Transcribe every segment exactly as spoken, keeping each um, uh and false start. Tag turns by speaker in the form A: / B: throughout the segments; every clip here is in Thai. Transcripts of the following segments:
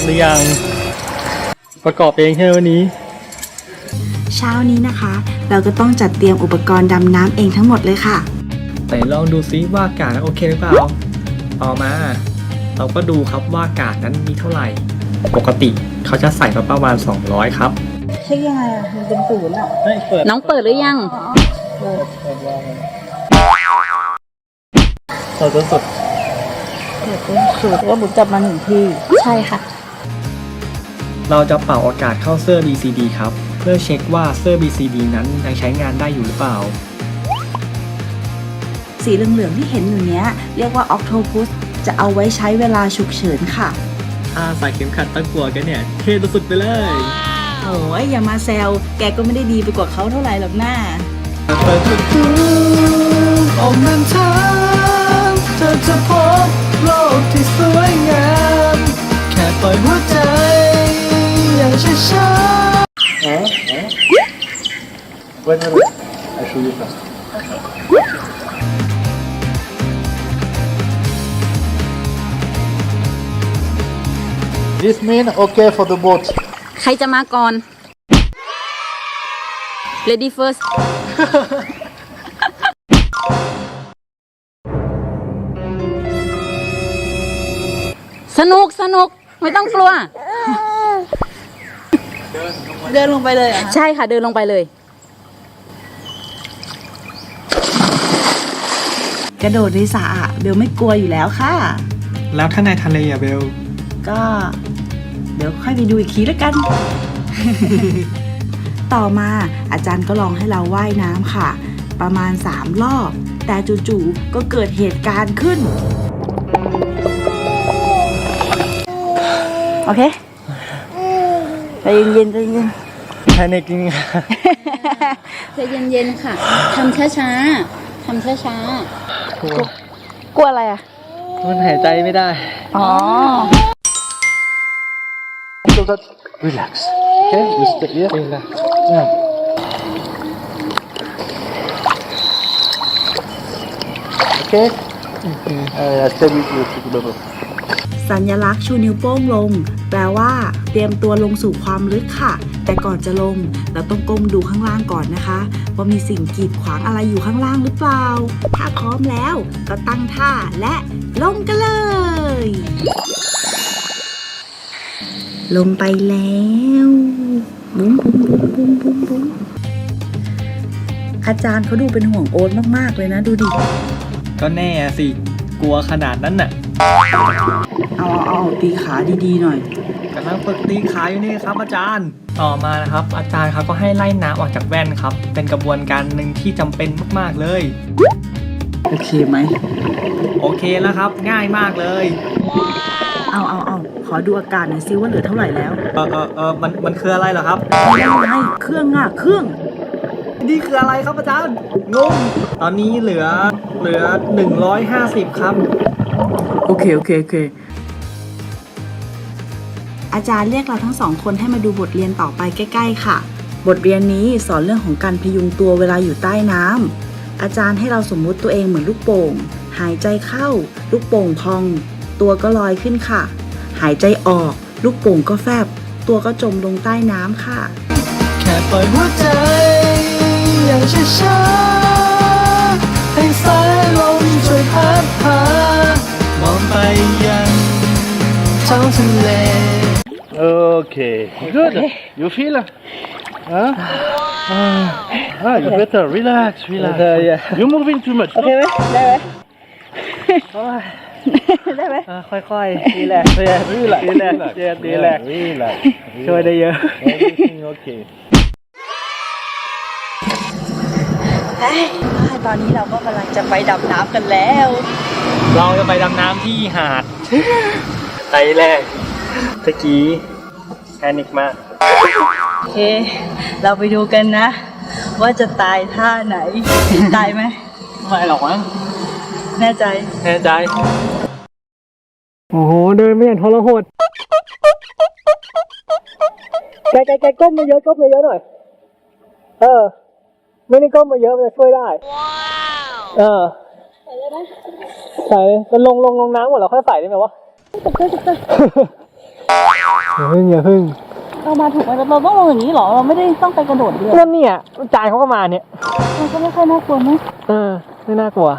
A: หรือยังประกอบเองใช่ไหมวันนี้
B: เช้านี้นะคะเราก็ต้องจัดเตรียมอุปกรณ์ดำน้ำเองทั้งหมดเลยค่ะ
A: แต่ลองดูซิว่าอากาศโอเคหรือเปล่าต่อมาเราก็ดูครับว่าอากาศนั้นมีเท่าไหร่ปกติเขาจะใส่ประมาณสองร้อยครับ
B: ใช่ยังไงอ่ะมันเป็นศูนย์อ่ะ
C: น้องเปิดหรือยัง
A: เปิดเปิดว่าเราจะสุด
B: เปิดเป็นศูนย์ว่าบุญจับมาหนึ่งที่
C: ใช่ค่ะ
A: เราจะเป่าอากาศเข้าเสื้อ บี ซี ดี ครับเพื่อเช็คว่าเสื้อ บี ซี ดี นั้นยังใช้งานได้อยู่หรือเปล่า
B: สีเหลืองๆที่เห็นอยู่เนี้ยเรียกว่าออกโทพุสจะเอาไว้ใช้เวลาฉุกเฉินค่ะ
A: ถ้าใส่เข็มขัดตั้งกลัวกันเนี่ยเท่สุดไปเลย
B: โอ้ยอย่ามาแซวแกก็ไม่ได้ดีไปกว่าเขาเท่าไหร่หรอกหน้า
A: เปิดประตูออกเดินทางเธอจะพบโลกที่สวยงามแค่ปล่อยหัวใจอย่างช้าๆอ๋ออ๋อ Wait a minute I show you first This mean okay for the boat
C: ใครจะมาก่อน Lady first สนุกสนุกไม่ต้องกลัว
B: เดินลงไปเลยอ่ะ
C: ใช่ค่ะเดินลงไปเลย
B: กระโดดในสระเบลไม่กลัวอยู่แล้วค่ะ
A: แล้วถ้าในทะเลอะเบล
B: ก็เดี๋ยวค่อยไปดูอีกทีแล้วกัน ต่อมาอาจารย์ก็ลองให้เราว่ายน้ำค่ะประมาณสามรอบแต่จู่ๆก็เกิดเหตุการณ์ขึ้นโอเคใจเย็นๆใจเย็น
A: แพนิคจริง
C: ใจเย็นๆค่ะทำช้าๆทำช้าๆกลัวกลัวอะไรอ่ะ
A: มันหายใจไม่ได้
C: อ๋อ
A: So that relax. Okay, you stay here. Relax. Yeah. Okay. Okay. Uh, stay with you together.
B: สัญลักษณ์ชูนิ้วโป้งลงแปลว่าเตรียมตัวลงสู่ความลึกค่ะแต่ก่อนจะลงเราต้องก้มดูข้างล่างก่อนนะคะว่ามีสิ่งกีดขวางอะไรอยู่ข้างล่างหรือเปล่าถ้าพร้อมแล้วก็ตั้งท่าและลงกันเลยลงไปแล้วบุ้มบุ้มบุ้มบุ้มบุ้มบุ้มอาจารย์เขาดูเป็นห่วงโอ๊ตมากๆเลยนะดูดิ
A: ก็แน่สิกลัวขนาดนั้นน่ะ
B: เอาเอาเอาตีขาดีๆหน่อย
A: กำลังฝึกตีขาอยู่นี่ครับอาจารย์ต่อมานะครับอาจารย์เขาก็ให้ไล่น้ำออกจากแว่นครับเป็นกระบวนการหนึ่งที่จำเป็นมากๆเลย
B: โอเคไหม
A: โอเคแล้วครับง่ายมากเลย
B: เอาเอาเอาขอดูอากาศหน่อยซิว่าเหลือเท่าไหร่แล้ว
A: เออเออเออมันมันคืออะไรเหรอครับ
B: ไม่เครื่องอ่ะเครื่อง
A: นี่คืออะไรครับอาจารย์งงตอนนี้เหลือเหลือหนึ่งร้อยห้าสิบครับ
B: โอเคโอเคโอเคอาจารย์เรียกเราทั้งสองคนให้มาดูบทเรียนต่อไปใกล้ๆค่ะบทเรียนนี้สอนเรื่องของการพยุงตัวเวลาอยู่ใต้น้ำอาจารย์ให้เราสมมุติตัวเองเหมือนลูกโป่งหายใจเข้าลูกโป่งพองตัวก็ลอยขึ้นค่ะหายใจออกลูกโป่งก็แฟบตัวก็จมลงใต้น้ำค่ะ
A: แค่ปล่อยหัวใจอย่างช้าๆให้สายลมช่วยพัดพามองไปยังท้องทะเล
D: Okay, good. You feel? Huh? Ah, you better relax, relax. You're moving too much.
B: โอเคไหมได้ไหมได้ไหม
A: ค่อยๆดีแหละดีแหละดีแหละดีแหละดีแหละช่วยได้เยอะ
D: Everything okay.
B: ตอนนี้เราก็กำลังจะไปดำน้ำกันแล้ว
A: เราจะไปดำน้ำที่หาดไตแรกตะกี้แพนิคมาก
B: โอเคเราไปดูกันนะว่าจะตายท่าไหนตายไหม
A: ไม่หรอกมั้ง
B: แน่ใจ
A: แน่ใจโอ้โหเดินไม่อย่างทรหดแกแกแกก้มมาเยอะก้มมาเยอะหน่อยเออไม่ได้ก้มมาเยอะมันจะช่วยได้ว้าวเออใส่เลยนะใส่จะลงลงลงน้ำหมดแล้วค่อยใส่ได้ไหมวะอย่าพึ่งอย่าพึ่ง
C: เรามาถูกไหมเราต้องลงอย่างนี้เหรอเราไม่ได้ต้องไปกระโดดเรือ
A: นั่นเนี่ยจานเขาก็มาเนี่ย
C: มันก็ไม่ค่อยน่ากลัวมั้ย
A: เออไม่น่ากลัว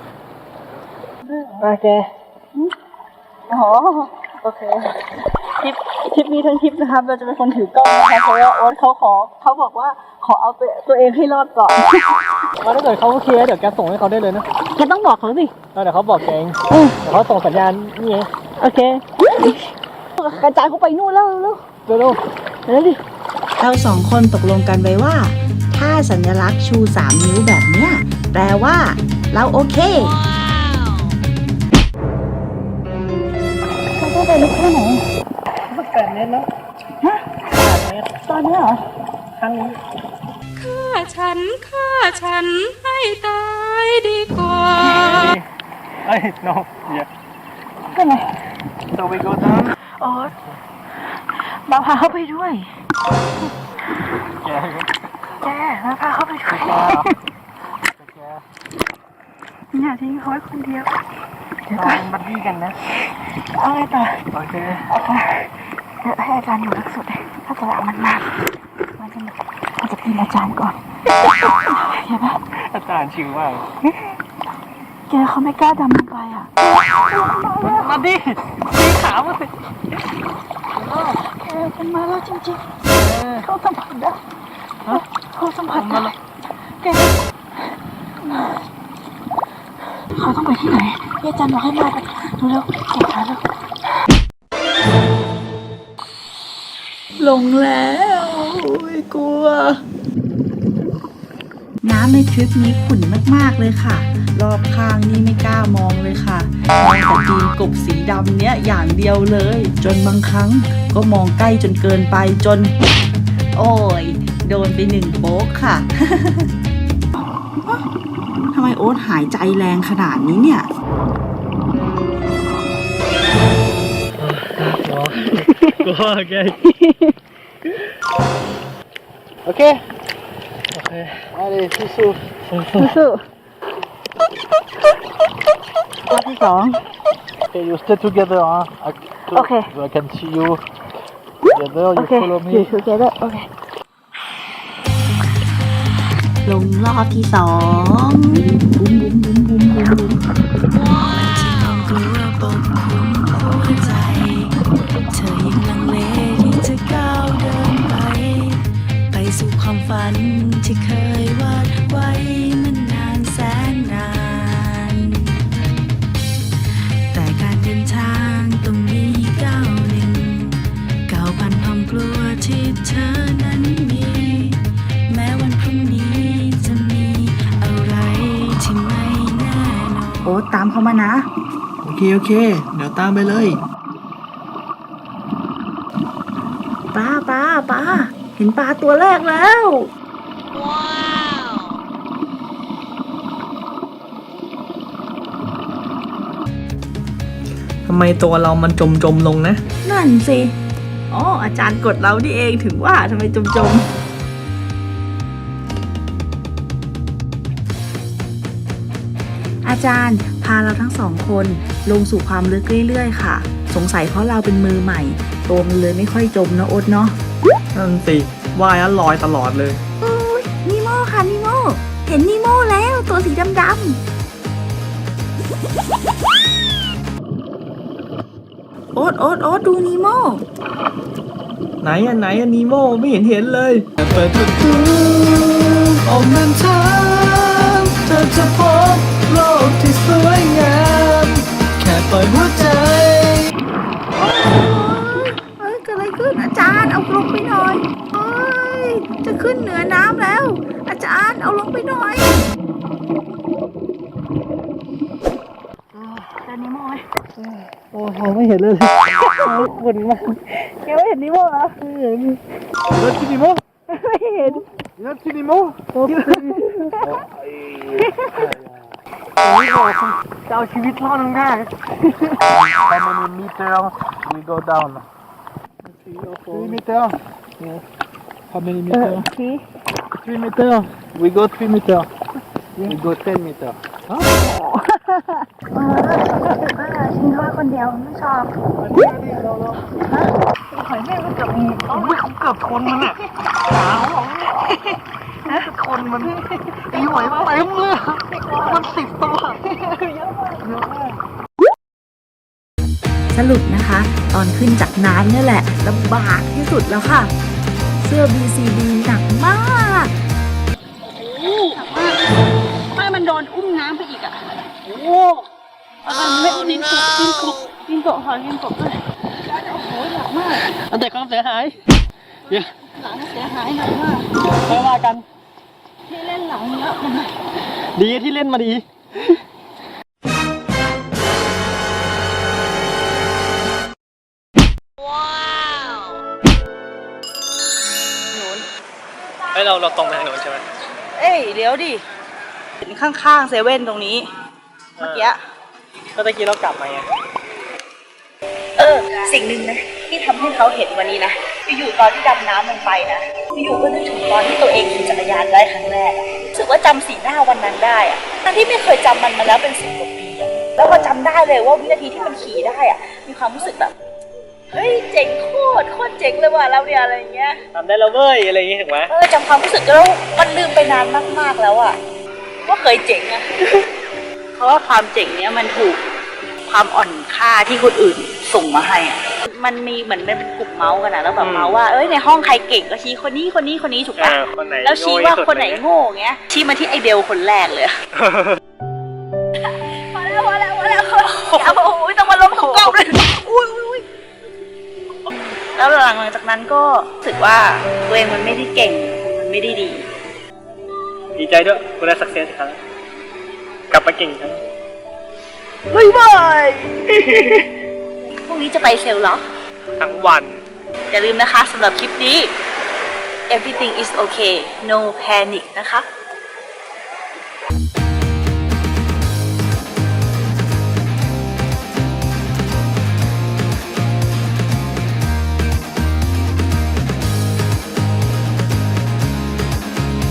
A: มาแก
C: อ๋อโอเคทริปทริปนี้ทั้งทริปนะครับเราจะเป็นคนถือกล้องนะคะเพราะว่าโอ๊ตเขาขอเขาบอกว่าขอเอาตัวตัวเองให้รอดก่อน
A: ว่าถ้าเกิดเขาโอเคเดี๋ยวแกส่งให้เขาได้เลยนะ
C: แกต้องบอกเขาสิ
A: แล้วเดี๋ยวเขาบอกแกเองเดี๋ยวเขาส่งสัญญาณนี่ไง
C: โอเคกระจายเขาไปนู่นแล้วเร็ว
A: เร็ว
C: เร็วดิ
B: เราสองคนตกลงกันไว้ว่า ถ้าสัญลักษณ์ชูสามนิ้วแบบเนี้ยแปลว่า เราโอเค
C: เขาต้องไปลึกแค่ไหน
A: ๆแปดเมตรแล้ว
C: ฮะตอนนี้เหรอ
A: ครั้งนี้
E: ฆ่าฉันฆ่าฉันให้ตายดีกว่า
A: เอ้ย no yeah
C: เป็นไง
A: so we go down
C: โอ๊ตมาพาเขาไปด้วย
A: แก
C: แกมาพาเขาไปด้วย
A: แก
C: อย่าทิ้งเขาไว้คนเดียว
A: เราเป็นบัดดี้กันนะ
C: เอาไงต่อ
A: โอเค
C: เดี๋ยวให้อาจารย์อยู่ลักสุดถ้าจะเอามันมามันจะมันจะกินอาจารย์ก่อนเห็นปะ
A: อาจารย์ชิวมาก
C: แกเขาไม่กล้าดำลงไปอ่ะ
A: มาดิตีขามาสิ
C: แกมันมาแล้วจริงๆเขาสัมผัสได้เขาสัมผัสได้แกเขาต้องไปที่ไหนอาจารย์บอกให้มาไปดูแล้วเก็บขาแล้วลงแล้วโอ้ยกลัว
B: น้ำในทริปนี้ขุ่นมากๆเลยค่ะ รอบข้างนี่ไม่กล้ามองเลยค่ะมองแต่ตีนกบสีดำเนี้ยอย่างเดียวเลย จนบางครั้งก็มองใกล้จนเกินไปจน โอ้ย โดนไปหนึ่งโป๊กค่ะ ทำไมโอ๊ตหายใจแรงขนาดนี้เนี่ย
A: กลัวแกโอเคโอเคมาดิสู้ๆ
C: สู้รอบที่สอง
A: Okay, you stay together, huh? I, so,
C: Okay.
A: so I can see you together.
C: โอ
A: You
C: เค
A: follow
C: อยู่
A: me.
C: ทูเกเดอร์โอเค
B: ลงรอบที่สองบุ้มบุ้มบุ้มบุ้มบุ้มบุ้มที่ความกลัวปกคลุมหัวใจ เธอยังลังเลที่จะก้าวเดินไป ไปสู่ความฝันที่เคยวาดไว้มันนานแสนนาน แต่การเดินทางต้องมีก้าวหนึ่งก้าวผ่านความกลัวที่เธอนั้นมี แม้วันพรุ่งนี้จะมีอะไรที่ไม่แน่นอนโอ๊ตตามเขามานะ
A: โอเค โอเค เดี๋ยวตามไปเลย
B: ป้าป้าป้าเห็นปลาตัวแรกแล้ว
A: ทำไมตัวเรามันจมจมลงนะ
B: นั่นสิ อ๋อ อาจารย์กดเรานี่เองถึงว่าทำไมจมจมอาจารย์พาเราทั้งสองคนลงสู่ความลึกเรื่อยๆค่ะ สงสัยเพราะเราเป็นมือใหม่ ตัวมันเลยไม่ค่อยจมนะโอ๊ตเนาะ
A: นั่นสิว่ายแล้วลอยตลอดเลย
B: โอ้ยนีโม่ค่ะนีโม่เห็นนีโม่แล้วตัวสีดำๆโอ๊ตโอ๊ตโอ๊ตดูนีโม่
A: ไหนอะไหนอะนีโมไม่เห็นเห็นเลย
F: เปิดประตูออกเดินทางเธอจะพบโลกที่สวยงามแค่ปล่อยหัวใจ
B: เอ้ยเกิดอะไรขึ้นอาจารย์เอาลงไปหน่อยเอ้ยจะขึ้นเหนือน้ำแล้ว อาจารย์เอาลงไปหน่อย
C: เจอนิโม่ไหม
A: โอ้โหไม่เห็นเลยคนมาก
C: แกไม่เห็นนิโม่เหรอ
A: แล้วที่นีโม
C: ไม่เห็น
A: แล้วที่นีโมโอ้ยจะเอาชีวิตรอดได้ How many meters we go down? Three meters. How many
C: เออ
A: meters?
C: ที
A: Three meters. We go three meters. We go ten meters.
C: ทิ้งเขาไว้คนเดียวไม่ชอบหอยแม่ก็เกือบมีเกือบคนมันอ่ะคนมันตีหอยมาเต็มเลยมันสิบตัว
B: สรุปนะคะ ตอนขึ้นจากน้ำเนี่ยแหละลำบากที่สุดแล้วค่ะ เสื้อ บี ซี ดี หนักมาก
C: ไม่มันโดนอุ้มน้ำไปอีกอ่ะโอ้มันไม่ดินกบดินกบดินกบหอยดินกบด้วยโอ้โหหนักมาก
A: แต่ความเสียหายเดี๋ยว
C: หลังเสียหายหนักมาก
A: ไม่ว่ากัน
C: ที่เล่นหลังเยอะมัน
A: ดีที่เล่นมาดีเฮ้ยเราเราตรงไปทางโน้นใช่ไหม
C: เอ้ยเดี๋ยวดิเห็นข้างๆเซเว่นตรงนี้ เมื่อกี้
A: ก็ตะกี้เรากลับมาไง
C: เออสิ่งหนึ่งนะที่ทำให้เขาเห็นวันนี้นะอยู่ๆตอนที่ดำน้ำลงไปนะอยู่ๆก็นึกถึงตอนที่ตัวเองขี่จักรยานได้ครั้งแรกอะรู้สึกว่าจำสีหน้าวันนั้นได้อะทั้งที่ไม่เคยจำมันมาแล้วเป็นสิบกว่าปีอะแล้วก็จำได้เลยว่าวินาทีที่มันขี่ได้อะมีความรู้สึกแบบเฮ้ยเจ๋งโคตรโคตรเจ๋งเลยว่ะเราเนี่ยอะไรอย่างเงี้ย
A: ทำได้แล้วเว้ยอะไรอย่างงี้ถูกไหม
C: เออจำความรู้สึกแล้วมันลืมไปนานมากๆแล้วอะว่าเคยเจ๋งอะ เพราะว่าความเจ๋งเนี้ยมันถูกความอ่อนค่าที่คนอื่นส่งมาให้อะมันมีเหมือนเป็นกลุ่มเมาส์กันนะแล้วแบบเมาส์ว่าเอ้ยในห้องใครเก่งก็ชี้คนนี้คนนี้คนนี้ถูกปะแล้วชี้ว่าคนไหนโง่เงี้ยชี้มาที่ไอเบลคนแรกเลยพอแล้วพอแล้วพอแล้วอย่าโอ้ยต้องมาล้มถูกกล้องเลยอุ้ยอุ้ยแล้วหลังจากนั้นก็รู้สึกว่าตัวเองมันไม่ได้เก่งมันไม่ได้ดี
A: ดีใจด้วยคุณได้สักเซสครั้งกลับมาเก่งครั้ง
C: บ๊ายบายพรุ่งนี้จะไปเซลล์เหรอ
A: ทั้งวัน
C: อย่าลืมนะคะสำหรับคลิปนี้ everything is okay no panic นะคะ